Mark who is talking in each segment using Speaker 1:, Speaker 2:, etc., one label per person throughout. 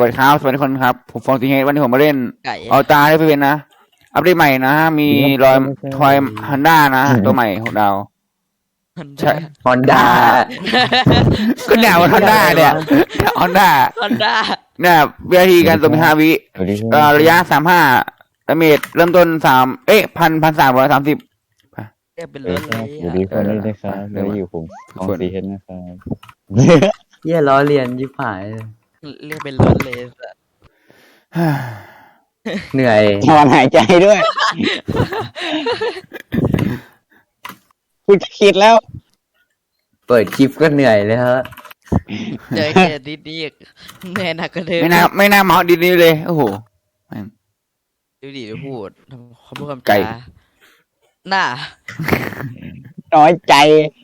Speaker 1: วัสดีครับสวัสดีคนครับผมฟองตีเฮดวันนี้ผมมาเล่น
Speaker 2: ไก่
Speaker 1: เอาตาได้ไปเป็นนะอัปเดตใหม่นะมีรอยทอยฮันด้านะตัวใหม่ของดาวใช่
Speaker 3: ฮอนด้า
Speaker 1: ก็แนวฮันด้าเนี่ยฮันด้า
Speaker 2: ฮอนด้า
Speaker 1: เนี่ยวินาทีการตัวมี5 วิระยะ35ดาเมจเริ่มต้น1,330
Speaker 2: เรียกเป็น
Speaker 4: เอ
Speaker 2: ร
Speaker 4: อ
Speaker 2: ถ
Speaker 4: ค
Speaker 2: เล
Speaker 4: รับ
Speaker 2: ย
Speaker 4: อยู่ดีคนนี้ด้วยครับแล้วอยู่ผมของสีเห็นนะครับ
Speaker 3: เหี้ยล้อเลียนยิบหายเลย
Speaker 2: เรียกเป็นรถเลย
Speaker 3: เหนื่อย
Speaker 4: ถอนหายใจด้วยคุณคิดแล้ว
Speaker 3: เปิดคลิปก็เหนื่อยเลยฮะ
Speaker 2: เจอแค่นิดนี้แน่หนักก็เดิม
Speaker 1: ไม่น่าเมาดีนี้เลยโอ้โห
Speaker 2: ดูดิดูพูดเขาพูดคำ
Speaker 1: ไก่
Speaker 2: จาหน้า
Speaker 4: น้อยใจ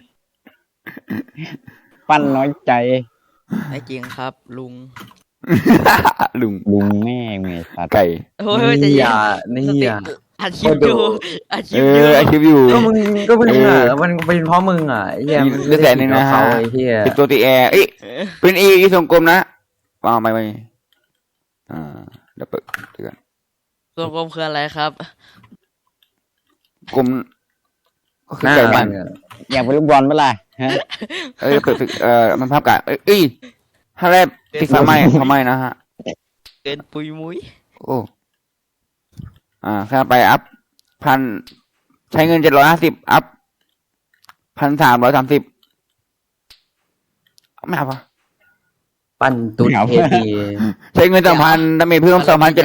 Speaker 4: ปั้นน้อยใจ
Speaker 2: ไอ้จริงครับ ลุง
Speaker 1: ลุง
Speaker 4: แม่เมสัตว์
Speaker 1: ไก่
Speaker 2: โอ้ยใจะ
Speaker 3: นี่
Speaker 2: เย็น
Speaker 3: อ่ะนี่
Speaker 2: สติ
Speaker 3: อ่ะ
Speaker 2: อัดคลิปอยู่อัดคลิป
Speaker 1: เอ
Speaker 2: อยู่
Speaker 1: อไอคิวอยู่
Speaker 3: ก็มึงอ่ะมันเป็นเพราะมึงอ่ะไอ้เหี้ย
Speaker 1: เลือดแสนหนึ่งนะฮะ
Speaker 3: เขาไอ้เหี้ย
Speaker 1: เป็นตัวตีแอร์เอ้ยเป็นอีทรงกลมนะวางไปเดี๋ยวเปิดเตือน
Speaker 2: ตัวกลมคืออะไรครับ
Speaker 1: กลมก็คือ
Speaker 3: หน้า
Speaker 1: ไก่บ้าน
Speaker 4: อยากเป็นลูกบอลเมื่อไหร่ฮะ
Speaker 1: เปิดมันภาพกะเอ้ยถ้าแรกติดไฟไหม้นะฮะ
Speaker 2: เกินปุยมุ้ย
Speaker 1: โอ้ข้าไปอัพใช้เงิน750อัพ1,330ไม่เอาปะ
Speaker 3: ปั้นตุนเทพี
Speaker 1: ใช้เงิน2,000ดาเมจเพิ่ม2,700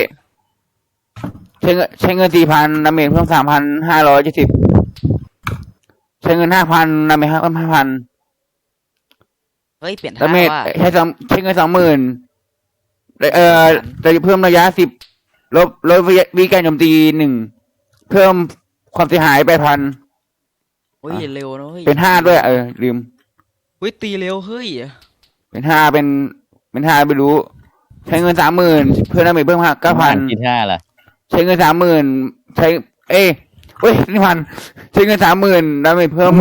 Speaker 1: ใช้เงิน4,000ดาเมจเพิ่ม3,570ใช้เงิน5,000ดาเมจเพิ่ม5,000
Speaker 2: เฮ้ยเปลี่ยน
Speaker 1: ดา
Speaker 2: ท่า
Speaker 1: เมจ
Speaker 2: ว่า
Speaker 1: ใช้เงิน20,000จะเพิ่มระยะ10ลดวิการโจมตี1เพิ่มความเสียหาย8,000
Speaker 2: เฮ้ยเร็วนะเฮ้ย
Speaker 1: เป็น5ด้วยลืม
Speaker 2: เฮ้ยตีเร็วเฮ้ย
Speaker 1: เป็น5เป็น5ไม่รู้ ใช้เงิน30,000เพิ่มดาเมจเพิ่ม9,000
Speaker 4: กิน5ล่ะ
Speaker 1: ใช้เงิน30,000ใช้นี่ใช้เงิน30,000ดาเมจเพิ่ม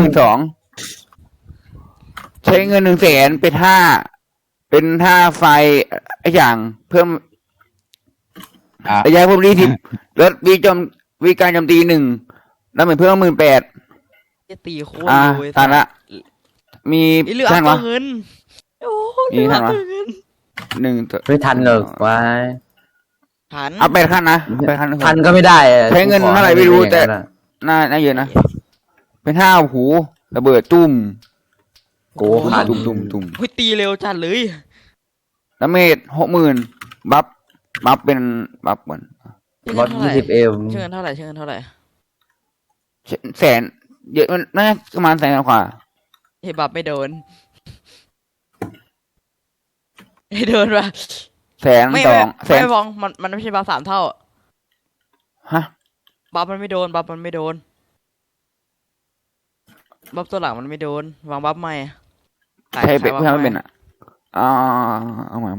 Speaker 1: 12,000ใช้เงิน100,000เป็น5ไฟไอ้อย่างเพิ่มระยะเพิ่ม20ลดวิการโจมตี1ดาเมจเพิ่ม18,000
Speaker 2: จะตีโคตรเร็วเลย
Speaker 1: ตามละมี
Speaker 2: ไอ้เหลือ
Speaker 1: ท่าน
Speaker 2: อั
Speaker 1: วะ
Speaker 2: พเงินโอ้
Speaker 1: มีท่านวะ
Speaker 2: เงิน
Speaker 1: 1
Speaker 3: ไม่ทันหรอกวะ
Speaker 2: หัน
Speaker 1: เอา8 ขั้นนะเอา8 ขั้น
Speaker 3: ทันก็ไม่ได้อะ
Speaker 1: ใช้เงินเท่าไหร่ไม่รู้แต่ น่าเยอะนะเป็น5โอ้โหระเบิดตุ้ม
Speaker 3: โอ้ขาด
Speaker 1: ตุ้ม
Speaker 2: เฮ้ยตีเร็วจัดเลย
Speaker 1: ดาเมจ60,000บัฟเป็นบัฟก่อน
Speaker 3: บอส20เอม
Speaker 2: เชื่อเงินเท่าไหร่เชื่อเงินเท่าไหร่
Speaker 1: แสนเยอะมันน่าประมาณ100,000กว่า
Speaker 2: เฮ้ยบัฟไม่โดนไม่โดนว่ะ
Speaker 1: แสน
Speaker 2: ไม่
Speaker 1: สองแสน
Speaker 2: ไม่ฟองมันไม่ใช่บัฟ3 เท่า
Speaker 1: ฮะ
Speaker 2: บัฟมันไม่โดนบัฟมันไม่โดนบัฟตัวหลังมันไม่โดนวางบัฟใหม่ขาย
Speaker 1: ใช่เป็น
Speaker 2: ขาย
Speaker 1: เพื่อน
Speaker 2: บัฟ
Speaker 1: ไม่
Speaker 2: ให
Speaker 1: เป็นอ่ะเอามา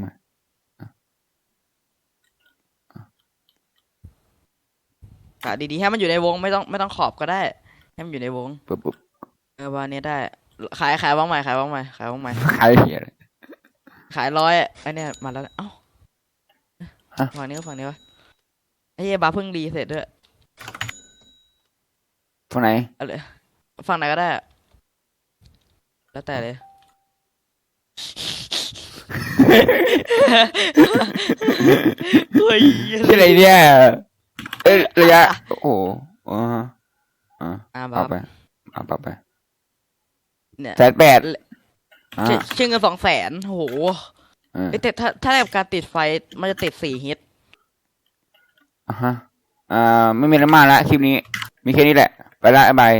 Speaker 2: ขายดีๆให้มันอยู่ในวงไม่ต้องขอบก็ได้ให้มันอยู่ในวง
Speaker 1: ปุ๊บ
Speaker 2: วันนี้ได้ขายบ้างใหม่ขายบ้างใหม่
Speaker 1: ขายเหี้ยเลย
Speaker 2: ขาย100ไอ้เนี่ยมาแล้วเอ้า
Speaker 1: ฮะ
Speaker 2: ฝั่งนี้ก็ฝั่งนี้วะไอ้เหี้ยบาร์เพิ่งรีเสร็จด้วย
Speaker 1: ฝั่งไหน
Speaker 2: เอาเลยฝั่งไหนก็ได้อะแล้วแต่เลยเฮ้ย
Speaker 1: ที่อะไรเนี่ยระยะโอ้โห
Speaker 2: บาร์
Speaker 1: ปรับไป
Speaker 2: เนี่ย
Speaker 1: 180,000
Speaker 2: เชื่อเงิน200,000โอ้โหเอ้ยแต่ถ้าแบบการติดไฟมันจะติด4 ฮิต
Speaker 1: ไม่มีอะไรมากละคลิปนี้มีแค่นี้แหละไปละบาย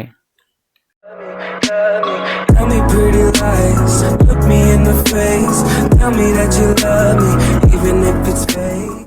Speaker 5: Tell me pretty lies, look me in the face. Tell me that you love me, even if it's fake.